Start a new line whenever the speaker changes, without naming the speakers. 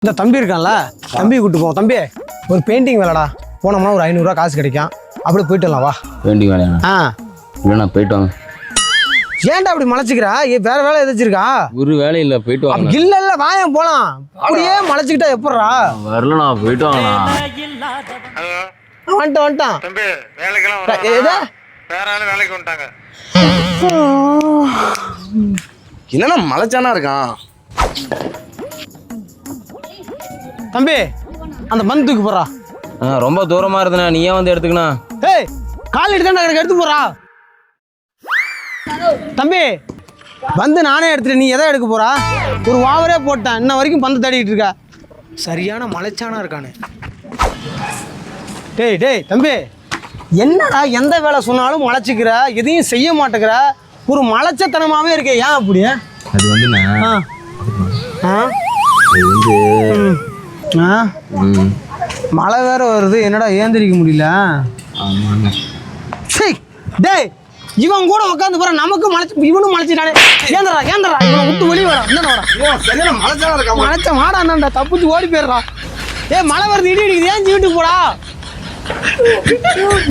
இந்த தம்பி இருக்கான்ல, தம்பி கூட்டு போவோம். தம்பி ஒரு பெயிண்டிங் வேலைடா, போனோம்னா ஒரு 500 ரூபா காசு கிடைக்கும். அப்படி போயிட்டுலாம் வா.
பெயிண்டிங் வேலையா? இல்லைண்ணா போயிட்டு வாங்க.
ஏன்டா அப்படி மலைச்சிக்கிறா? வேற வேலை எதாச்சிருக்கா?
ஒரு வேலை இல்லை, போயிட்டு வாங்க.
இல்ல இல்ல வாயம் போலாம். அப்படியே மலைச்சிக்கிட்டா எப்படா?
வரலண்ணா, போயிட்டு வாங்கண்ணா.
வந்துட்டான்
தம்பி, வேலைக்கெல்லாம் வேற ஆளு வேலைக்கு வந்துட்டாங்க.
என்னன்னா மலைச்சானா இருக்கான்
தம்பி. அந்த மண் தூக்கி போறா.
ரொம்ப தூரமா இருந்தண்ணா, நீ ஏன் வந்து எடுத்துக்கணா?
ஏய் கால் எடுத்து எடுத்து போறா. தம்பி வந்து நானே எடுத்துட்டேன், நீ எதை எடுக்க போறா? ஒரு வாவரே போட்டேன், இன்ன வரைக்கும் பந்து தேடிட்டு இருக்க. சரியான மலைச்சானா இருக்கானே. டேய் டேய் தம்பி, என்னடா எந்த வேலை சொன்னாலும் மலைச்சிக்கிற, எதையும் செய்ய மாட்டேங்கிற, ஒரு மலைச்சத்தனமாவே இருக்கே, ஏன் அப்படி?
அது வந்துண்ணா
மழை வேற வருது, என்னடா ஏந்திரிக்க முடியல. டேய் இவன் கூட உட்காந்து போற, நமக்கு மலைச்சு இவனும் மலைச்சிட்டானே. ஏந்திரா ஏந்திரா, இவனை விட்டு வெளியே வர. என்ன
மலைச்சானா இருக்கா?
மலைச்ச மாடாண்டா, தப்பிச்சு ஓடி போயிடுறான். ஏய் மழை வருது, இடி இடிக்குது, ஏன் வீட்டுக்கு போடா.